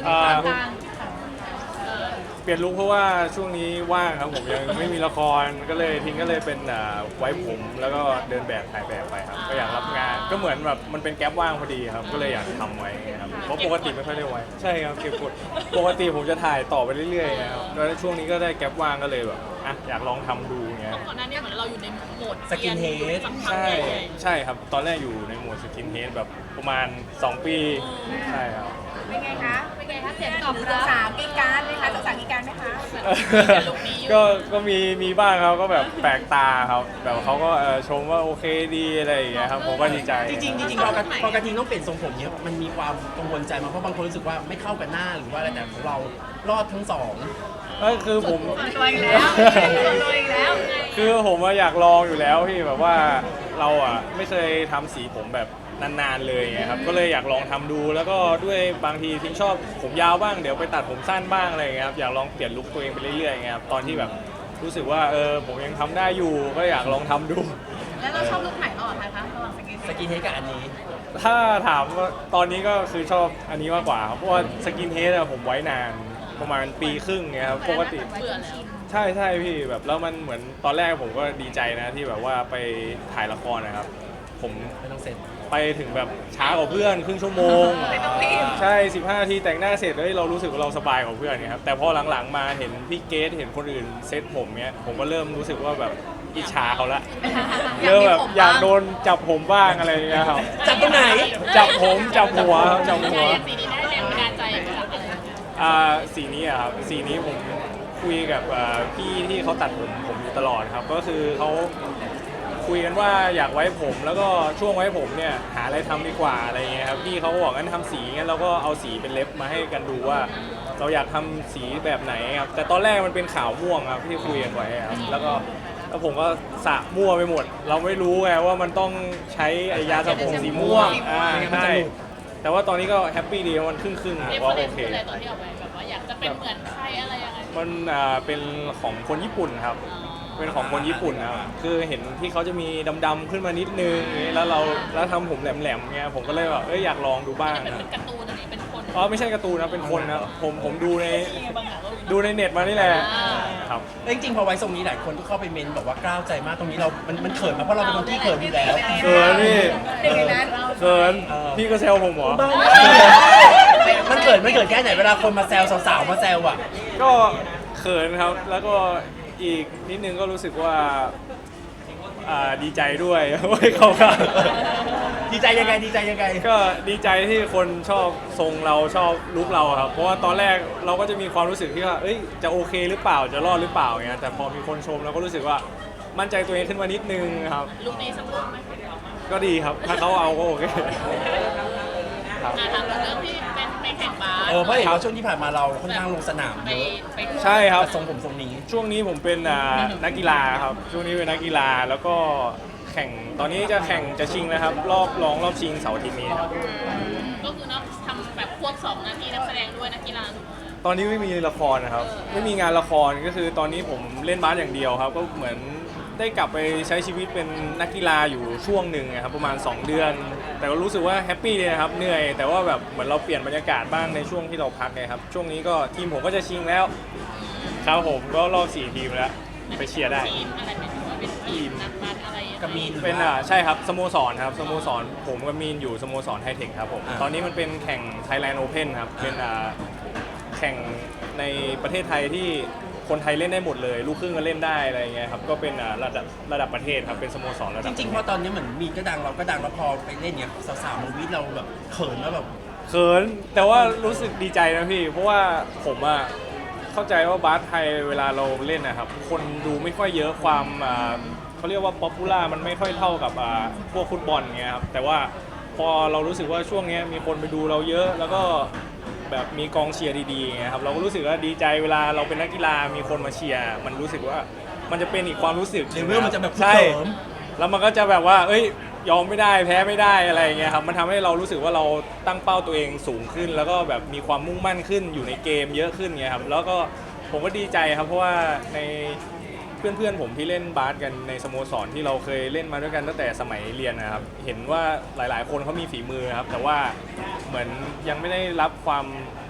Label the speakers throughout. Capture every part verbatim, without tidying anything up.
Speaker 1: อ่า
Speaker 2: กลาง
Speaker 1: เปลี่ยนลุคเพราะว่าช่วงนี้ว่างครับผมยังไม่มีละครก็เลยทิ้งก็เลยเป็นอ่าไว้ผมแล้วก็เดินแบบถ่ายแบบไปครับก็อยากรับงานก็เหมือนแบบมันเป็นแก๊ปว่างพอดีครับก็เลยอยากทำไว้ครับเพราะปกติไม่ค่อยได้ไว้ใช่ครับเก็บกดปกติผมจะถ่ายต่อไปเรื่อยๆนะครับแล้วช่วงนี้ก็ได้แก๊ปว่างก็เลยแบบอ่ะอยากลองทำดูเงี้ย
Speaker 2: ก่อนหน้านี้เหมือนเราอยู่ในโหมด
Speaker 3: สกินเฮด
Speaker 2: สักพัก
Speaker 1: ใช่
Speaker 2: ใหญ่
Speaker 1: ใช่ครับตอนแรกอยู่ในโหมดสกินเฮดแบบประมาณสองปีใช่ครับ
Speaker 4: เป็นไงคะ
Speaker 2: ๆเป็นไงคะเสียงตอบ
Speaker 4: หรือ
Speaker 2: รับ
Speaker 4: สาวๆกรีดกรารไหมคะสาวๆกรีดกรารไหมคะ
Speaker 1: ก็ก็มีมีบ้างครับก็แบบแปลกตาครับแบบเขาก็เออชมว่าโอเคดีอะไรอย่างเงี้ยครับผมก็ดีใจ
Speaker 3: จริงๆจริงๆพอกระพอกระทิงต้องเปลี่ยนทรงผมเนี่ยมันมีความกังวลใจมาเพราะบางคนรู้สึกว่าไม่เข้ากับหน้าหรือว่าอะไรแต่ของเรารอดทั้งสอง
Speaker 1: ก็คือผม
Speaker 4: ตัวอีกแล้วตัวอีกแล้ว
Speaker 1: คือผมอะอยากลองอยู่แล้วพี่แบบว่าเราอ่ะไม่เคยทำสีผมแบบนานๆเลยไงครับก็เลยอยากลองทำดูแล้วก็ด้วยบางทีทิ้งชอบผมยาวบ้างเดี๋ยวไปตัดผมสั้นบ้างอะไรอย่างเงี้ยครับอยากลองเปลี่ยนลุคตัวเองไปเรื่อยๆไงครับตอนที่แบบรู้สึกว่าเออผมยังทำได้อยู่ก็อยากลองทำดู
Speaker 4: แล้วเราชอบลุคไหนก่อนนะคะระหว่างสกิน
Speaker 3: สกินเฮดกับอันนี้
Speaker 1: ถ้าถามว่าตอนนี้ก็คือชอบอันนี้มากกว่าครับเพราะว่าสกินเฮดอะผมไว้นานประมาณปีครึ่งเงี้ยครับปกติ
Speaker 2: เบื่อแล้ว
Speaker 1: ใช่ใช่พี่แบบแล้วมันเหมือนตอนแรกผมก็ดีใจนะที่แบบว่าไปถ่ายละครนะครับ ผม
Speaker 3: ไม่ต้องเซ็น
Speaker 1: ไปถึงแบบช้ากว่าเพื่อนครึ่งชั่วโมง
Speaker 4: ไม่ต้องรีบ
Speaker 1: ใช่สิบห้านาทีแต่งหน้าเสร็จแล้วเรารู้สึกว่าเราสบายกว่าเพื่อนเนี่ยครับแต่พอหลังๆมาเห็นพี่เกสเห็นคนอื่นเซ็ตผมเนี้ยผมก็เริ่มรู้สึกว่าแบบอิจฉาเขาละเริ่มแบบอยากโดนจับผมบ้างอะไรอย่างเงี้ยครับ
Speaker 3: จับตรงไหน
Speaker 1: จับผมจับหัวครับจับหัว
Speaker 2: สีนี้ได้แรงบันดาลใจมาจากอะไร
Speaker 1: อ่าสีนี้อะครับสีนี้ผมคุยกับอ่าพี่ที่เขาตัดผมผมอยู่ตลอดครับก็คือเขาคุยกันว่าอยากไว้ผมแล้วก็ช่วงไว้ผมเนี่ยหาอะไรทำดีกว่าอะไรเงี้ยครับพี่เขาก็บอกงั้นทำสีงั้นเราก็เอาสีเป็นเล็บมาให้กันดูว่า เราอยากทำสีแบบไหนครับแต่ตอนแรกมันเป็นขาวม่วงครับที่คุยกันไว้ครับแล้วก็แล้วผมก็สระมั่วไปหมด เราไม่รู้ไงว่ามันต้องใช้ไอ้ยาสระผมสีม่วงอ่าใช่แต่ว่าตอนนี้ก็แฮปปี้ดีมันครึ่งครึ่ง
Speaker 2: เรียก
Speaker 1: ว่า
Speaker 2: ว่า
Speaker 1: โอ
Speaker 2: โอ
Speaker 1: เค
Speaker 2: เคตอนที่เอาไปแบบว่าอยากจะเป็นเหมือนใครอะไรยังไง
Speaker 1: มันอ่าเป็นของคนญี่ปุ่นครับ เป็นของคนญี่ปุ่นนะครับคือเห็นที่เขาจะมีดำๆขึ้นมานิดนึงอย่างงี้แล้วเราแล้วทำผมแหลมๆเงี้ยผมก็เลยแบบเอ้ยอยากลองดูบ้าง
Speaker 2: เป็น
Speaker 1: นะ
Speaker 2: เป็นการ์ตูนอันนี้เป็นคน
Speaker 1: อ๋อไม่ใช่การ์ตูนนะเป็นคนนะผมผมดูใน
Speaker 2: บางอย่างก็
Speaker 1: ดูในเน็ตมานี่แหละครับ
Speaker 3: แล้วจริงๆพอไว้ทรงนี้หลายคนก็เข้าไปเมนบอกว่ากล้าวใจมากตรงนี้เรา มันมันเขินมาเพราะเราเป็นคนที่เขินอยู่แล้ว
Speaker 1: เขินพี่
Speaker 4: หนึ่งในนั้น
Speaker 1: เขินพี่ก็แซวผมเหรอ
Speaker 3: มันเขินไม่เขินแค่ไหนเวลาคนมาแซวสาวๆมาแซวอ่ะ
Speaker 1: ก็เขินครับแล้วก็อีกนิดนึงก็รู้สึกว่าอ่าดีใจด้วย ว่าเขาก็
Speaker 3: ดีใจยังไงดีใจยังไง
Speaker 1: ก็ดีใจที่คนชอบทรงเราชอบลุคเราครับ เพราะว่าตอนแรกเราก็จะมีความรู้สึกที่ว่าเอ้ยจะโอเคหรือเปล่าจะรอดหรือเปล่าเงี้ยแต่พอมีคนชมเราก็รู้สึกว่ามั่นใจตัวเองขึ้นมานิดนึงครับ
Speaker 2: ลุคนี้สมบูรณ์ไหม
Speaker 1: ก็ดีครับถ้าเขาเอาก็โอเคครับ
Speaker 2: อ่าถามเรื่องที่เป็นไปแข่งบาส
Speaker 3: เออเพราะเห็นว่าช่วงที่ผ่านมาเราค่อนข้างลงสนาม
Speaker 2: ไป
Speaker 3: เยอะ
Speaker 2: ไป
Speaker 1: ใช่ครับ
Speaker 3: ทรงผมทรงนี้
Speaker 1: ช่วงนี้ผมเป็นอ่านักกีฬาครับช่วงนี้เป็นนักกีฬาแล้วก็แข่งตอนนี้จะแข่งจะชิงนะครับ รอบรองรอบชิงเสาร์อาทิตย์นี้ครับ
Speaker 2: ก็คือเนาะทำแบบควบสองนาทีนักแสดงด้วยนักกีฬา
Speaker 1: ตอนนี้ไม่มีละครนะครับ ไม่มีงานละครก็คือตอนนี้ผมเล่นบาสอย่างเดียวครับ ก็เหมือนได้กลับไปใช้ชีวิตเป็นนักกีฬาอยู่ช่วงหนึ่งนะครับประมาณสองเดือน แต่ก็รู้สึกว่าแฮปปี้เลยนะครับเหนื่อยแต่ว่าแบบเหมือนเราเปลี่ยนบรรยากาศบ้างในช่วงที่เราพักไงครับช่วงนี้ก็ทีมผมก็จะชิงแล้วครับผมก็รอบสี่ทีมแล้วไปเชียร์ได้
Speaker 2: ทีมอะไรเป็นว่าเป็นทีมนักบาสอะไรยังไง
Speaker 3: กับมีน
Speaker 1: เป็นอ่าใช่ครับสโมสรครับสโมสรผมกับมีนอยู่สโมสรไทเทคครับผม
Speaker 3: อ่า
Speaker 1: ตอนนี้มันเป็นแข่ง Thailand Open ครับเป็นอ่าแข่งในประเทศไทยที่คนไทยเล่นได้หมดเลยลูกครึ่งก็เล่นได้อะไรอย่างเงี้ยครับก็เป็นอ่าระดับระดับประเทศครับเป็นสโมสรระ
Speaker 3: จ
Speaker 1: ดับ
Speaker 3: ริงๆเพราะตอนนี้เหมือนมีนก็ดังเราก็ดังแล้วพอไปเล่นเนี่ยสาวๆมาวิทเราแบบเขินแล้วแบบ
Speaker 1: เขินแต่ว่ารู้สึกดีใจนะพี่ เพราะว่าผมอ่ะเข้าใจว่าบาสไทยเวลาเราเล่นนะครับคนดูไม่ค่อยเยอะความอ่าเขาเรียกว่าป๊อปปูล่ามันไม่ค่อยเท่ากับอ่าพวกฟุตบอลเงี้ยครับแต่ว่าพอเรารู้สึกว่าช่วงนี้มีคนไปดูเราเยอะ แล้วก็แบบมีกองเชียร์ดีๆเงี้ยครับเราก็รู้สึกว่าดีใจเวลาเราเป็นนักกีฬามีคนมาเชียร์มันรู้สึกว่ามันจะเป็นอีกความรู้สึก
Speaker 3: เลเวลมันจะแบบ
Speaker 1: ใช่
Speaker 3: เสริม
Speaker 1: แล้วมันก็จะแบบว่า เอ้ย ยอมไม่ได้ แพ้ไม่ได้ อะไรอย่างเงี้ยครับ มันทำให้เรารู้สึกว่าเราตั้งเป้าตัวเองสูงขึ้น แล้วก็แบบมีความมุ่งมั่นขึ้น อยู่ในเกมเยอะขึ้นเงี้ยครับ แล้วก็ผมก็ดีใจครับ เพราะว่าในเพื่อนๆผมที่เล่นบาสกันในสโมสรที่เราเคยเล่นมาด้วยกันตั้งแต่สมัยเรียนนะครับ เห็นว่าหลายๆ คนเขามีฝีมือครับ แต่ว่าเหมือนยังไม่ได้รับความเข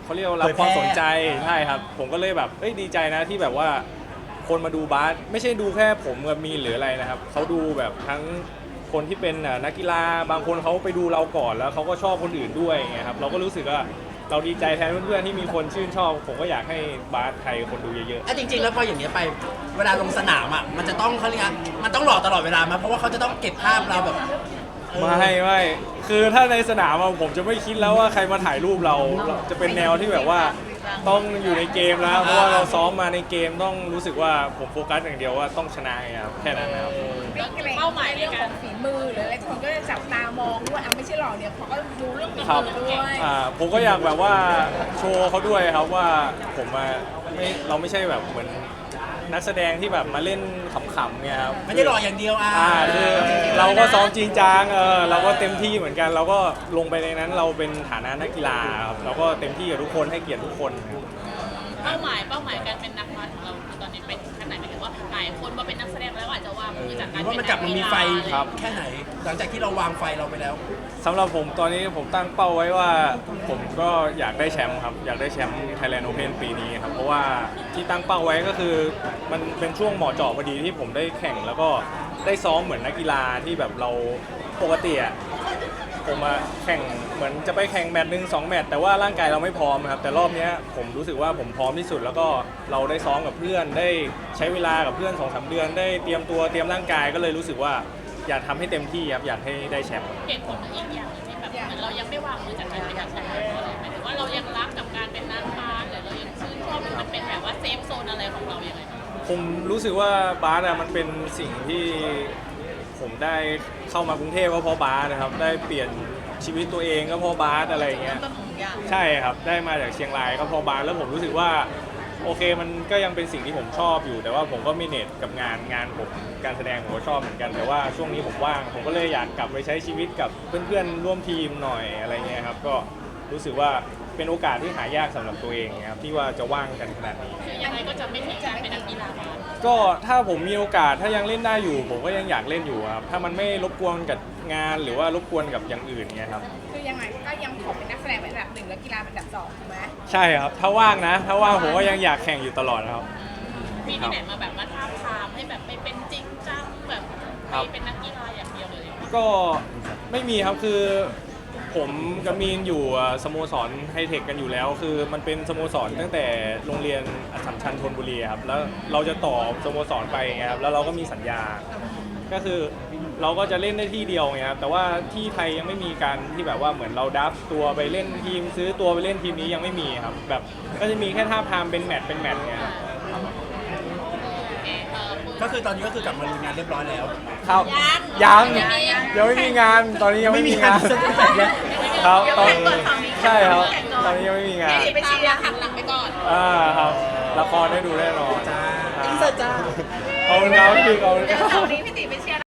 Speaker 1: เขาเรียกว่ารับ
Speaker 3: เผย
Speaker 1: ค
Speaker 3: แพร่
Speaker 1: วามสนใจใช่ครับผมก็เลยแบบเอ้ยดีใจนะที่แบบว่าคนมาดูบาสไม่ใช่ดูแค่ผมกับมีนหรืออะไรนะครับเขาดูแบบทั้งคนที่เป็นอ่ะนักกีฬาบางคนเขาไปดูเราก่อนแล้วเขาก็ชอบคนอื่นด้วยไงครับเราก็รู้สึกว่าเราดีใจแทนเพื่อนๆที่มีคนชื่นชอบผมก็อยากให้บาสไทยคนดูเยอะ
Speaker 3: อ่ะจริงๆแล้วพออย่างเนี้ยไปเวลาลงสนามอ่ะมันจะต้องเขาเรียกอะไรมันต้องหล่อตลอดเวลามาเพราะว่าเขาจะต้องเก็บภาพเราแบบเออ
Speaker 1: ๆไม่ไม่คือถ้าในสนามอะผมจะไม่คิดแล้วว่าใครมาถ่ายรูปเราเราจะเป็นแนวที่แบบว่าต้องอยู่ในเกมแล้วเพราะว่าเราซ้อมมาในเกมต้องรู้สึกว่าผมโฟกัสอย่างเดียวว่าต้องชนะไงครับแค่นั้นนะครับ
Speaker 4: ไม่เกรงเป้าหมายเรื่องของฝีมือหรืออะไรคนก็จะจับตามองด้วยอ่ะไม่ใช่หล่อเดียวเขาก็ดูเรื่องฝี
Speaker 1: ครับ
Speaker 4: มือด้วย
Speaker 1: อ่าผมก็อยากแบบว่าโชว์เขาด้วยครับว่าผมอะไม่เราไม่ใช่แบบเหมือนนักแสดงที่แบบมาเล่นขำๆไงครับ
Speaker 3: ไม่ได้หล่ออย่างเดียวอ่ะ
Speaker 1: อ่าคือเราก็ซ้อมจริงจังเออเราก็เต็มที่เหมือนกัน เราก็ลงไปในนั้นเราเป็นฐานะนักกีฬาครับเราก็เต็มที่กับทุกคนให้เกียรติทุกคนครับ
Speaker 2: เป้าหมายเป้าหมายการเป็นนักบาสของเราคือตอนนี้เป็นขนาดไหนหมายถึงว่าหลายคนมาเป็นนักแสดงแล้วอาจจะวางมือจาก
Speaker 3: ห
Speaker 2: การ
Speaker 3: รือว่ามันกลับมามีไฟ
Speaker 1: ครับ
Speaker 3: แค่ไหน หลังจากที่เราวางไฟเราไปแล้ว
Speaker 1: สำหรับผมตอนนี้ผมตั้งเป้าไว้ว่าผมก็อยากได้แชมป์ครับอยากได้แชมป์ Thailand Open ปีนี้ครับเพราะว่าที่ตั้งเป้าไว้ก็คือมันเป็นช่วงเหมาะเจาะพอดีที่ผมได้แข่งแล้วก็ได้ซ้อมเหมือนนักกีฬาที่แบบเราปกติอะผมมาแข่งเหมือนจะไปแข่งแมตช์หนึ่งสองแมตช์แต่ว่าร่างกายเราไม่พร้อมครับแต่รอบเนี้ยผมรู้สึกว่าผมพร้อมที่สุด แล้วก็เราได้ซ้อมกับเพื่อนได้ใช้เวลากับเพื่อนสองสามเดือนได้เตรียมตัวเตรียมร่างกายก็เลยรู้สึกว่าอยากทำให้เต็มที่ครับอยากให้ได้แชมป์
Speaker 2: เหตุผลอีกอย่างหนึงที่แบบเหมือนเรายังไม่วางมือจากการเป็นนักแสดงเพราะอะไรหมายถึงว่าเรายังรักกับการเป็นนักบาสหรือเรายังชื่นชอบมันเป็นแบบว่าเซฟโซนอะไรของเราอย่างไรบ้าง
Speaker 1: ผมรู้สึกว่าบาสอะมันเป็นสิ่งที่ผมได้เข้ามากรุงเทพก็เพราะบาสนะครับได้เปลี่ยนชีวิตตัวเองก็เพราะบาสอะไรอย่างเงี้ย
Speaker 4: ต้นของอย่าง
Speaker 1: ใช่ครับได้มาจากเชียงรายก็เพราะบาสแล้วผมรู้สึกว่าโอเคมันก็ยังเป็นสิ่งที่ผมชอบอยู่ แต่ว่าผมก็มีเน็ตกับงานงานผมการแสดงผมก็ชอบเหมือนกันแต่ว่าช่วงนี้ผมว่างผมก็เลยอยากกลับไปใช้ชีวิตกับเพื่อนๆร่วมทีมหน่อยอะไรเงี้ยครับก็รู้สึกว่าเป็นโอกาสที่หายากสำหรับตัวเองครับที่ว่าจะว่างกันขนาดนี้
Speaker 2: คือยังไงก็จะไม่ทิ้งการเป็นนักกีฬาบาส
Speaker 1: ก็ถ้าผมมีโอกาสถ้ายังเล่นได้อยู่ ผมก็ยังอยากเล่นอยู่ครับถ้ามันไม่รบกวนกับงานหรือว่ารบกวนกับอย่างอื่นเงี้ยครับ
Speaker 4: คือยังไงก็ยังขอเป็นนักแสดงเป็นอันดับหนึ่งแล้วกีฬาเป็นอันดับสองถูกไหม
Speaker 1: ใช่ครับถ้าว่างนะ ถ้าว่างผมก็ยังอยากแข่งอยู่ตลอดนะครับ
Speaker 2: มีที่ไหนมาแบบมาท้าบทามให้แบบไปเป็นจริงจังแบบ
Speaker 1: ครั
Speaker 2: ไป
Speaker 1: บ
Speaker 2: เป็นนักกีฬาอย่างเดียวเลย
Speaker 1: ก็ไม่มีครับคือผมกับมีนอยู่อ่ะสโมสรไฮเทคกันอยู่แล้ว คือมันเป็นสโมสรตั้งแต่โรงเรียนอัสสัมชัญธนบุรีครับแล้วเราจะต่อสโมสรไปไงครับแล้วเราก็มีสัญญา ก็คือเราก็จะเล่นได้ที่เดียวไงครับแต่ว่าที่ไทยยังไม่มีการที่แบบว่าเหมือนเราดับตัวไปเล่นทีม ซื้อตัวไปเล่นทีมนี้ยังไม่มีครับแบบก็จะมีแค่ท่าบทามเป็นแมตช์เป็นแมตช์เนี่ยครับ
Speaker 2: โอเคเออคุณ
Speaker 3: ก็คือตอนนี้ก็คือกลับมาลุยงานเรียบร้อยแล้ว
Speaker 1: ครับ
Speaker 2: ยัง
Speaker 1: ยัง
Speaker 2: ยังไม่มี
Speaker 1: ยังไม่มีงานตอนนี้ยังไม่มีงาน
Speaker 3: ไม่มีงาน
Speaker 1: ครับตอน
Speaker 4: เดี๋ยวแข่งก่อนฝั่งนี้
Speaker 1: ใช่ครับตอนนี้ยังไม่มีงาน
Speaker 2: ไปเชียร์หันหลังไปก่อน
Speaker 1: อ่าครับละครได้ดูแน่นอน
Speaker 3: จ้า
Speaker 1: ครับ
Speaker 3: อินเสิร์ตจ้า
Speaker 1: ขอบคุณครับพี่ขอบคุณค
Speaker 4: เดี๋ยว
Speaker 1: รับ
Speaker 4: เสาร์นี้พี่ติไปเชียร์